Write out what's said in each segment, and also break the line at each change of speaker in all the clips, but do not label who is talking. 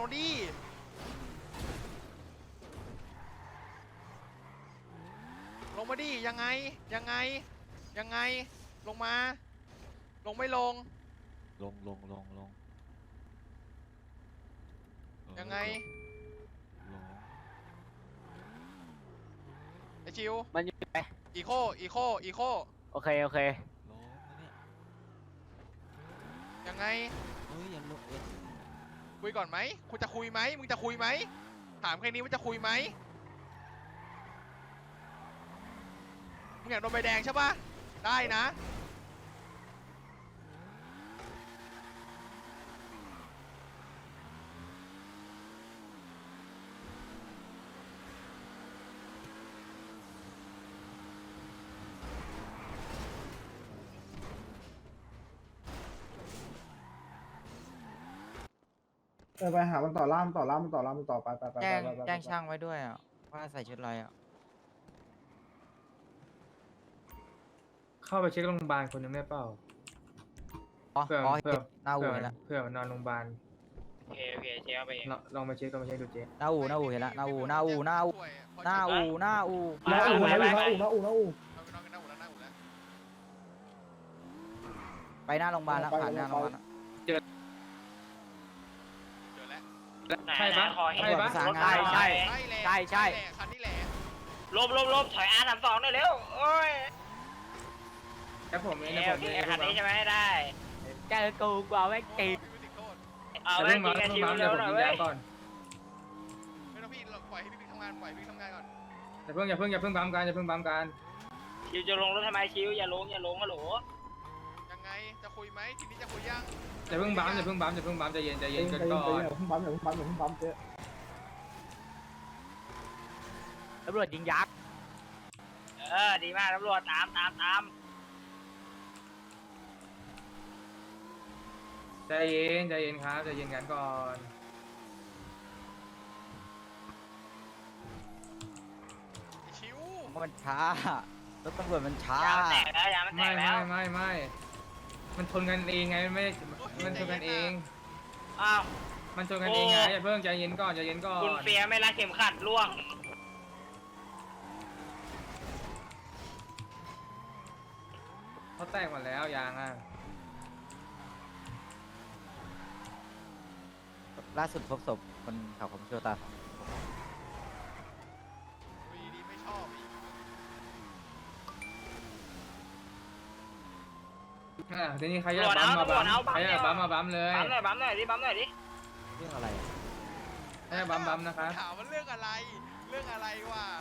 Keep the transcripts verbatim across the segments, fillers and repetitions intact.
มาดิลงมาดิยังไงยังไงยังไงลงมาลงไม่ลง
ลงลงลงลง
ยังไง
ลง
ไอชิว
มันอยู่ไหน
อีโคอีโคอีโค
โอเคโอเค
ลงนะเนี่ย
ยังไง
เอ้ยอย่าลงเอ้ย
คุยก่อนไหมคุณจะคุยไหมมึงจะคุยไหมถามแค่นี้ว่าจะคุยไหมมึงอยากโดนใบแดงใช่ปะได้นะ
เออไปหามันต่อล่ามต่อล่ามมันต่อล่ามมันต่อไปไปไป
แจ้ง
ไปไป
แจ้งช่างไว้ด้วยอ่ะว่าใส่ชุดอะไรอ่ะ
เข้าไปเช็คโรงพยาบาลคนหนึงได้เปล่า
อ๋อ
เผื่อ
อ๋อ
เผื่อ
หน้าอู่
เผื่อ
เห็นละ
เผื่อนอนโรงพยาบาล
โอเคโอเคเช็คเอาไปเอง
ลองลองมาเช็คลองมาเช็คดูเจ๊
หน้าอู่หน้าอู่เห็นละหน้าอู่หน้าอู่หน้าอู่หน้าอู่หน้าอู่
น้าอู่น้าอู่น้าอู่น้าอู่น้าอู่
ไปหน้าโรงพยาบาลแล้วผ่านหน้าโรงพยาบาลแล้ว
เจอแล้ว
ใช่ปะใช่ปะ
ประสานงาน
ใช่
ใช่ใช่
คันนี้แหละ
ลบลบลบถอยอาร์สามสองหน่อยเร็วโอ้ย
แต่ผมเอง
โอ
นะ
เค
ผ
โอ
ม
เค
เอง
คันนี้ใช่ไหมได้
แกกูกว่าไม่ตี
เอา
แต่
ไว้
เพิ่ง
กิ
มาน
กัน
เพิ่ง
ชิว
มา
เร็
เดี๋ยว
ว
ผม
หน่อย
ยิง
เว้
ยาย ก่อน
ไม่ต้องพี่ปล่อยให้พี่ทำงานปล่อยพี่ทำงานก่อน
อย่าเพิ่งอย่าเพิ่งอย่าเพิ่งบัมกันอย่าเพิ่งบัมกัน
ชิวจะลงรถทำไมชิวอย่าลงอย่าลงฮัลโหล
ยังไงจะคุยไหมทีนี้จะคุยยัง
อย่าเพิ่งบัมอย่าเพิ่งบัมอย่าเพิ่งบัมใจเย็นใจ
ใจ
เย็
เย็
น
น
กัน
ใจเย็น
ก่อ
ใจ
น
เย็นอย่าเพิ่งปั๊มอย่าเพิ่งปั๊มอย่าเพิ่งปั๊มเจ๊
ตำรวจยิงยักษ์
เออดีมากตำรวจตามตามตาม
ใจเย็นใจเย็นครับใจเย็นกันก่อน
ชิว
มันช้ารถตำรวจมันช้าย
างมันแตกแล้วยางมันแต
ไม่
กแล้
ไม่
ว
ไม่ไม่มันชนกันเองไงไม่มันชนกันเอง
อ้าว
มันชนกันเองไงอย่าเพิ่งใจเย็นก่อนใจเย็นก่อน
คุณเฟียไม่รัดเข็มขัดล่วง
เขาแตกหมดแล้วยางอ่ะ
ล่าสุดพบศพคนขับของโชตา
คุยดีไม่ชอบอีก
อ่ะทีนี้ใครอยากบัมมาบัมใครอยากบัมมาบัมเลย
บัมหน่อยบัมหน่อยดิบัมหน่อยดิ
เรื่องอะไรอะ
ใครอยากบัมบัมนะครับ
ถามว่าเรื่องอะไรเรื่องอะไรวะ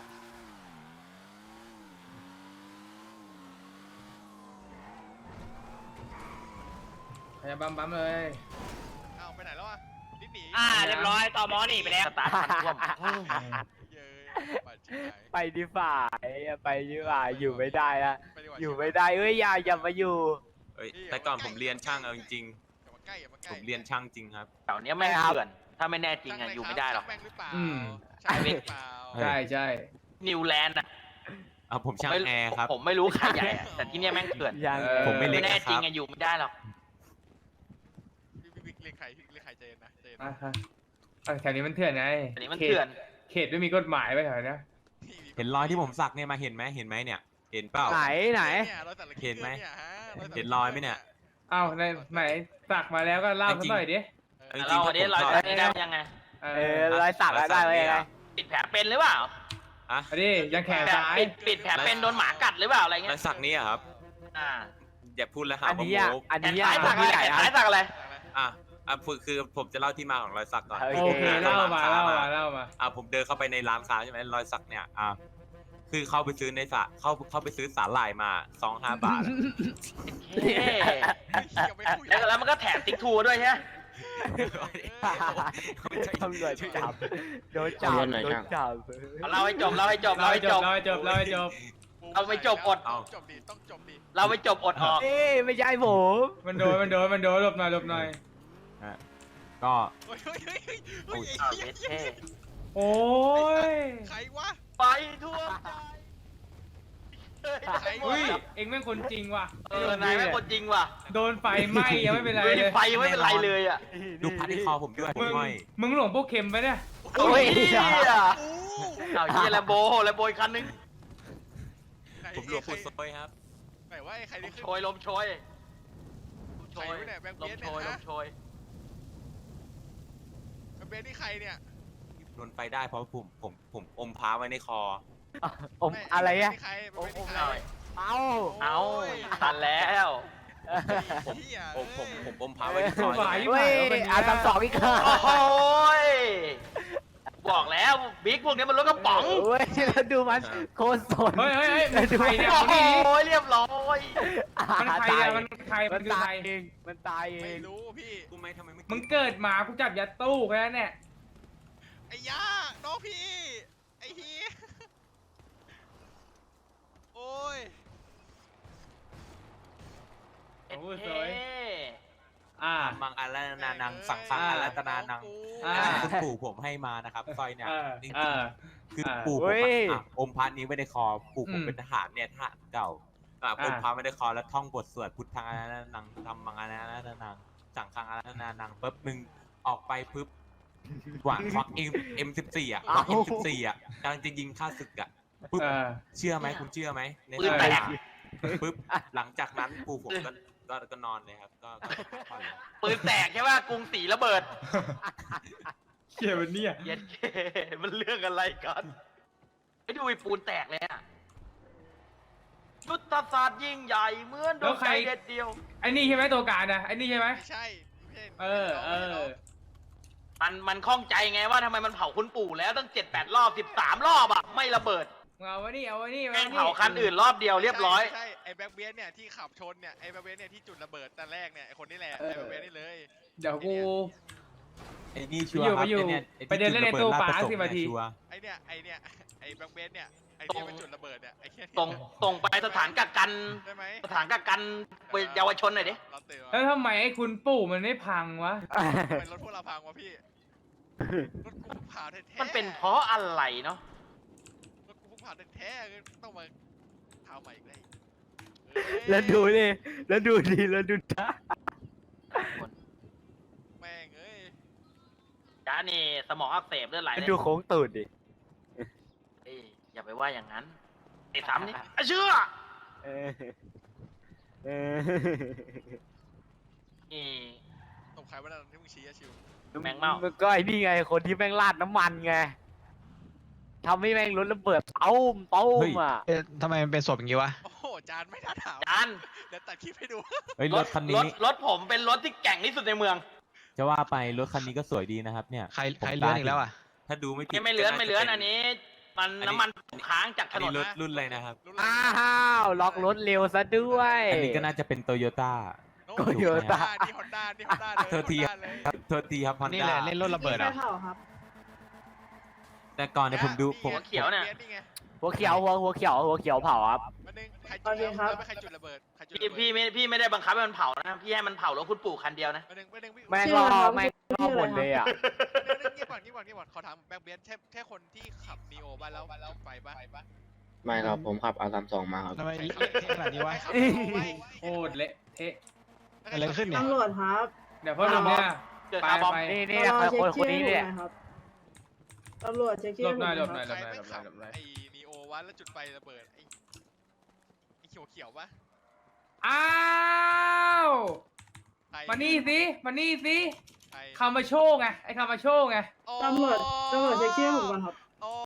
ใครอยากบัมบัมเลย
อ้าวไปไหนแล้วอ่ะนิดหนี
อ่าเรียบร้อยต่อมอหนีไปแล้ว
ตาร์ทมันท่วม
เย้บาดเจ็บ
ไปดีฝ่าไปดีฝ่าอยู่ไม่ได้ละ
ไปดีกว่า
อยู่ไม่ได้เอ้ยอย่าอย่ามาอยู่
เอ้ยแต่ก่อนผมเรียนช่างเอาจริง
อย่ามาใกล้อย่ามาใก
ๆ
ล้
ผมเรียนช่างจริงครับ
แถวเนี้ยไม่เถื่อนถ้าไม่แน่จริงอะอยู่ไม่ได้หรอก
ช่างแม่งหรือเปล่า
อืม
ช่างแม่งหรือเปล่า
ใช่ใช่
นิวแลนด์อะ
เอาผมช่างแอร์ครับ
ผมไม่รู้ใครใหญ่อะแต่ที่เนี้ยแม่งเถื่อน
ยัง
ผมไม่เล็
ไม่
ก
แน่
นะค
จริ
รั
ง
บ
อะอยู่ไม่ได้หรอก
พี่พี่พี่เรียกใครพี่เรียกใครใจเย็นนะใจเย็น
อ่ะฮะอ่ะแถวนี้มันเถื่อนไง
อันนี้มันเถื่อน
เขตไม่มีกฎหมายไปแถวเนี้ย
เห็นรอยที่ผมสักเนี่ยมาเห็นไหมเห็นไหมเนี่ย เห็นเปล่า
ไหนไหน
เนี่ยรอยสัก
เห็นไหม
ยฮะยสัก
เห็นรอยไหมเนี่ย
อ้าวในไหนสักมาแล้วก็เล่ากันหน่อยดิ
จริงๆ
เรา
ถ้า
อันนี้
ผม
เรา
ชอบ
อันนี้ได้ยังไง
เอ
เออ
อ
รอยสักอะได้ไว้ยังไง
ปิดแผลเป็นหรือเปล่า
อะ
อันนี้ยังแขนซ้าย
ปิดปิดแผลเป็นโดนหมากัดหรือเปล่าอะไร
ร
เงี้
อย ยสักนี้อะครับ
อ่า
อย่าพูดแล้วหา
อัน
ว่า
นี้
โม
อ่ะอัน
แขน
นี้
ซ้ายสั
อ่ะ
กอะไร
ใหญ่
แขน
อะ
ซ้ายสักอะไร
อ่ะอ่ะคือคือผมจะเล่าที่มาของรอยสักก่อน
โอ
โอเคเล่ามาเล่ามาเล่ามา
อ่ะผมเดินเข้าไปในร้านค้าใช่ไหมรอยสักเนี่ยอ่ะคือเข้าไปซื้อในสระเข้าเข้าไปซื้อสาหร่ายมาซองห้าบาทอะ
เฮ้แล้วแล้วมันก็แถมติ๊กทูด้วยใช่ไหม
ตำรวจจับโดนจับโดนจับ
เอาเราให้จบเราให้จบเรา
เล่า
ให้
ให้
จ
จ
บบ
เล่าให้จบเล่าให้จบ
เอาไม่จบอด
ต้องจบดิต้องจบดิ
เราไม่จบอดออก
เอ้ยไม่ใช่ผม
มันโดนมันโดนมันโดนหลบหน่อยหลบหน่อย
ก็
เฮ้ยเฮ้ยเฮ้ยเฮ้ยเฮ้ย
อ้าวเย็ดเท่
โอ้ย
ใครวะ
ไปทั่วใจ
ใคร
เฮ้ยว
ะ
เอ็งแม่งคนจริงว่ะ
เออนายแม่งคนจริงว่ะ
โดนไฟไหม้ยังไม่เป็นไร
เฮ้ย
เลย
ไฟยังไม่เป็นไรเลยอ่ะ
ดูพัดที่คอผมด้วยผ
มึ
ม
ง
ห้อย
มึงหลงพวกเค็มไปเนี่ย
โอ้ยเฮีย
อู้
เอาเฮียแลมโบแลมโบอีกคันนึง
ไหน
ผมหลวงปู่โซยครับ
ไหนว่าไอ้ใคร
ล
ที่
ม
ขึ้น
โชยลมโชยลมโช
ใคร
ยว
ะเนี่ยแบงค์
ล
เบีย
ม
ด
โช
เนี่ย
ยล
ฮะ
มโชย
แบงค์เบียดนี่ใครเนี่ย
โดนไฟได้เพราะผมผมผมอมพาไว้ในคอ
อมอะไรอะ
แบงค์เบียดนี่ใครแบง
โอ้
ค์เบียด
โห
นี่ใคร
หน่อย
เอา
เอา
โอ้ย
ทันแล้ว
ผม
เหี้ย
ผมผม
เอ้ย
ผมอมพาไว้ในคอ
ไหว
เฮ้ยอาสามสองอีกค่ะ
โอ้โหยบอกแล้วบิ๊กพวกนี้มันรถกระป๋อง
เฮ้ยแล้วดูมันโคตรสน
เฮ้ยเฮ้ยเฮ้ยมันใครเนี่ย
โอ้
คนนี้
โหเรียบร้อย
มันใครเนี่ยมันใครมั
มัน น
คือ
ตา
ใคร
ยเองมันตายเอ
ไม่
ง
รู้พี่
รู้ไหมทำไมไม่
มึงเกิดมากูจับยัดตู้แค่นั้นเนี่ย
ไอ้ย่าน้องพี่ไอ้เฮียโอ้ย
เอ็ด
โอ้ย
เท่
สวย อ่า
มังอารานานังสังสังอาราตนานัง
อ่า
คุณปู่ผมให้มานะครับสร้อยเนี่ย
เออ
จริง
เออ
ๆคือ
อ่า
ปู่ผมอะอ่ะอมพันนี้ไว้ในคอปู่ผม
อืม
เป็นทหารเนี่ยทหารเก่าอ่ะ
อ่า
อมพันไว้ในคอแล้วท่องบทสวดพุทธังอารานังธรรมังอารานังสังฆังอารานังปุ๊บมึงออกไปปุ๊บหวานควักเอ็มเอ็มสิบสี่อ่ะเอ็มสิบสี่อ่ะกำลังจะยิงฆ่าศึกอ่ะปุ๊บ
เออ
เชื่อไหมคุณเชื่อไหมใน
ปืน
ส
แต
นาก มปุ๊บหลังจากนั้นปู่ผมก็ก็ก็นอนเลยครับก็ก็พักผ่อนเลย
ปืนแตกใช่ป่ะกรุงศรีระเบิด
เขียมันเนี่ย
เย็ดเคมันเรื่องอะไรกันไอ้ดูไอ้ปูนแตกเลยอะยุทธศาสตร์ยิ่งใหญ่เหมือนดวงใจเด็ดเดียว
ไอ้นี่ใช่ไหมตัวการนะไอ้นี่ใช่ไหม
ไม่ใช่ไม่ใช่
เออเออ
มันมันข้องใจไงว่าทำไมมันเผาคุณปู่แล้วตั้งเจ็ดแปดรอบสิบสามรอบอะไม่ระเบิด
มึงเอาไว้นี่เอาไว้นี่
แม่งเผาคันอื่นรอบเดียวเรียบร้อย
ไม่ใช่ไอ้แบ็คเบียดเนี่ยที่ขับชนเนี่ยไอ้แบ็คเบียดเนี่ยที่จุดระเบิดแต่แรกเนี่ยไอ้คนนี้แหละไอ้แบ็คเบียดนี่เลย
เดี๋ยวกู
ไอ้นี่ชัวร์ครับ
ไปอยู่
ไอ้เนี่ย
ไปเดินเล่นในตู้ปลาสิบนาที
ชัวร์
ไอ้เนี่ยไอ้เนี่ยไอ้แบ็คเบียดเนี่ยไอ้
ตร
ที่
ง
มันจุดระเบิดเนี่ยไอ้เหี้ย
ตรงตรงไปสถานกักกัน
ได้ไหม
สถานกักกันเยาวชนหน่อยดิ
เราเตือน
แล้วทำไมไอ้คุณปู่มันไม่พังวะ
เป็นรถพวกเราพังวะพี่รถกูเพิ่งผ่าแท้ๆ
มันเป็นเพราะอะไรเนาะ
รถกูเพิ่งผ่าแท้ๆต้องมาเท้าใหม่อีกเลย
แล้วดูดิแล้วดูดิแล้วดูจ้า
แม่งเอ้ย
จ้านี่สมองอักเสบเลือดไหล
แล้ว
เลย
ดูโค้งตูดดิ
เอ้ยอย่าไปว่าอย่างนั้นไอ้สามนี่อ่ะเชื่อ
เออเออ
นี่
ตบใครวะนั่นที่มึงชี้อะชิว
แมงเม่า
ก็ไอ้นี่ไงคนที่แม่งราดน้ำมันไงทำให้แม่งรถระเบิดเต้มเต้มอ่ะ
เอ๊ะทำไมมันเป็นศพอย่างนี้วะ
โอ้โหจานไม่น่าถาม
จาน
เดี๋ยวตัดคลิปให้ดู
เฮ้ยรถคัน
ร
นี้
ถรถผมเป็นรถที่แกร่งที่สุดในเมือง
จะว่าไปรถคันนี้ก็สวยดีนะครับเนี่ย
ใคร
ผม
ใครเลื่อนอีกแล้วอ่ะ
ถ้าดูไม่ผิด
ไม่ไม่เลื้อนไม่เลื้อน
ก็าจะ
อันนี้ มัน
อันนี้
น้ำมันค้างจากถ
อัน
น
นี้
น
รถ
นะ
รุ่นอะไรนะครับ
รู้เลย
อ้าวล็อกรถเร็วซะด้วย
อันนี้ก็น่าจะเป็นโตโยต้า
โน้
โตโยต้า
นี่ฮอนด้านี่ฮอนด้าเลย
โทษที
ฮอนด้าเลย
ครับโทษทีครับฮอน
นี่
ด้า
แหละเล่นรถระเบิดเหรอ่ะ
แต่ก่อนเนี่ยผมดูผม
หัวเขียวเนี่ย
นี่ไง
หัวเขียวหัวหัวเขียวหัวเขียวเผาครับ
มันนึงใครจุดแล้วแล้วไม่ใครจุดระเบิดใครจุดระ
พี่
เบิด
พี่ไม่พี่ไม่ได้บังคับให้มันเผานะพี่ให้มันเผารถคุณปู่คันเดียวนะ
มันนึงมันนึงวิ่ง
แม่งรอแม่งรอหมดเลยอ่ะ
มันนึงเงียบก่อนเงียบก่อนเงียบก่อนขอถามแบ็คเบียนใช่แค่คนที่ขับนีโอบ้านแล้วแล้วไฟบ้าน
ไม่ครับ ผมขับอาสามสองมาครับ
ทำไมเละเทะขนาดนี้วะ
ใครขับ Neo ไว้
โคตรเละเทะ
อะไรขึ้นเนี่ย
ตำรวจครับ
เดี๋ยวพ่อหนุ่มเนี่ย
เกิด
ไป
คาร์บอม
ไป
นี่นี่
รอ
คน
เช็
คนนี้
ชื่อ
เนี่ย
ให้ผมหครับตำรวจเช็คชื่อ
หลบหน่อย
ให้
หล
ผม
บหน่อย
ใคร
หลบหน่อย
ไม่
หลบหน่
ขั
อบ ยหลบหน่อย
ไอ้นีโอวะแล้วจุดไฟระเบิดไอ้ไอ้เขียวเขียวๆปะ
อ้าว
ใคร
มานี่สิมานี่สิ
ใคร
คามาโชว์ไงไอ้คามาโชว์ไง
อ๋อ
ตำรวจตำรวจเช็คชื่อให้ผมก่อนครับ